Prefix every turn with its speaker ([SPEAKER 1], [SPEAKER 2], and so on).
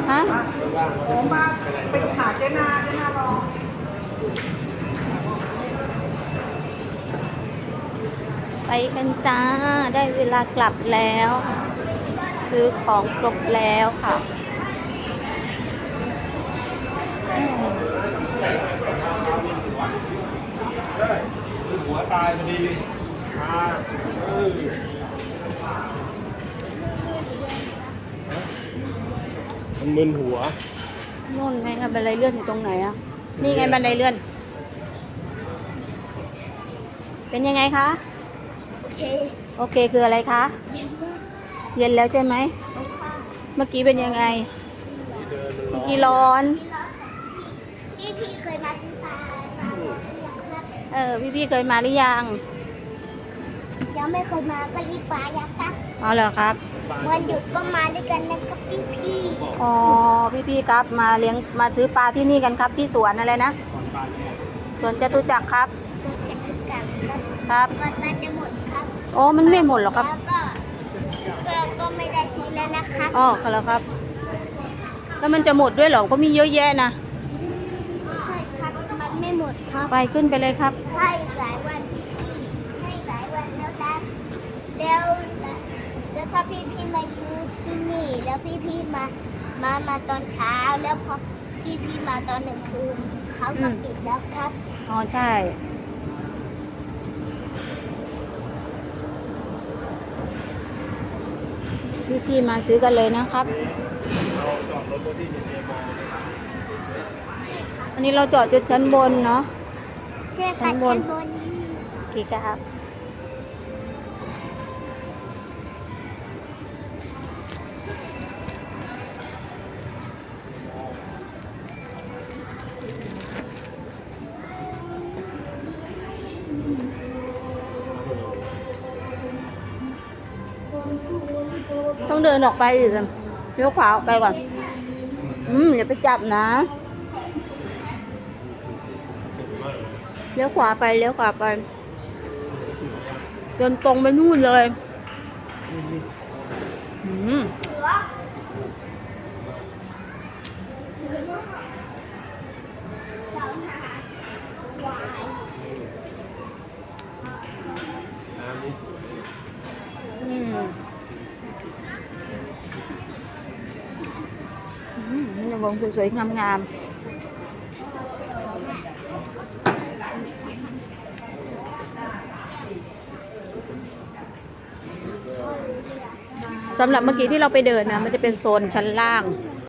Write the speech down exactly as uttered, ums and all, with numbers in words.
[SPEAKER 1] ฮะ
[SPEAKER 2] ผมมาไปหาเจ๊นาเจ๊นารอ
[SPEAKER 1] ไปกันจ้าได้เวลากลับแล้วซื้อของครบแล้วค่ะ
[SPEAKER 3] หัวตายพอดีอ่าเออมันมึนหัว
[SPEAKER 1] นู่นไงครับบันไดเลื่อนอยู่ตรงไหนอ่ะนี่ไงบันไดเลื่อนเป็นยังไงคะ
[SPEAKER 2] โอเค
[SPEAKER 1] โอเคคืออะไรคะเย็นแล้วใช่ไหมเมื่อกี้เป็นยังไงเมื่อกี้ร้อน
[SPEAKER 2] พี่พี่เคยมาซื้อปลา
[SPEAKER 1] เออพี่พี่เคยมาหรือยัง
[SPEAKER 2] ยังไม่เคยมาก็ยิ่งปลายักษ์ครับ
[SPEAKER 1] อ๋อเหรอครับ
[SPEAKER 2] วันหยุดก็มาด้วยกันนะครับพี่พี่
[SPEAKER 1] อ๋อพี่พี่ครับมาเลี้ยงมาซื้อปลาที่นี่กันครับที่สวนอะไรนะสวนจตุจักรครับ
[SPEAKER 2] สวนจตุจักรครับ
[SPEAKER 1] ครับ
[SPEAKER 2] ก่อนปลาจะหมดครับ
[SPEAKER 1] โอ้มันไม่หมดหรอกครับ
[SPEAKER 2] แล้วก็ก็ก็ไม่ได้ทีแล้วนะคะ
[SPEAKER 1] อ๋อเหรอครับแล้วมันจะหมดด้วยเหรอก็มีเยอะแยะนะ
[SPEAKER 2] ใช่ครับมันไม่หมดครับ
[SPEAKER 1] ไปขึ้นไปเลยครับ
[SPEAKER 2] ให้หลายวันให้หลายวันแล้วนะแล้วแล้วถ้าพี่พี่มาซื้อที่นี่แล้วพี่พี่มามามาตอนเช้าแล้วพอพี่พี่มาตอนหนึ่งคืนเขาก็ปิดแล้วครับ
[SPEAKER 1] อ๋อใช่พี่พี่มาซื้อกันเลยนะครับอันนี้เราจอดจุดชั้นบนเนาะ
[SPEAKER 2] ใช่ค่ะชั้นบน
[SPEAKER 1] กี่ครับต้องเดินออกไปอีกเลี้ยวขวาออกไปก่อนอืมอย่าไปจับนะเลี้ยวขวาไปเลี้ยวขวาไปเดินตรงไปนู่นเลยอืมอืมอืมนี่วงสวยๆงามๆสำหรับเมื่อกี้ที่เราไปเดินนะมันจะเป็นโซนชั้นล่าง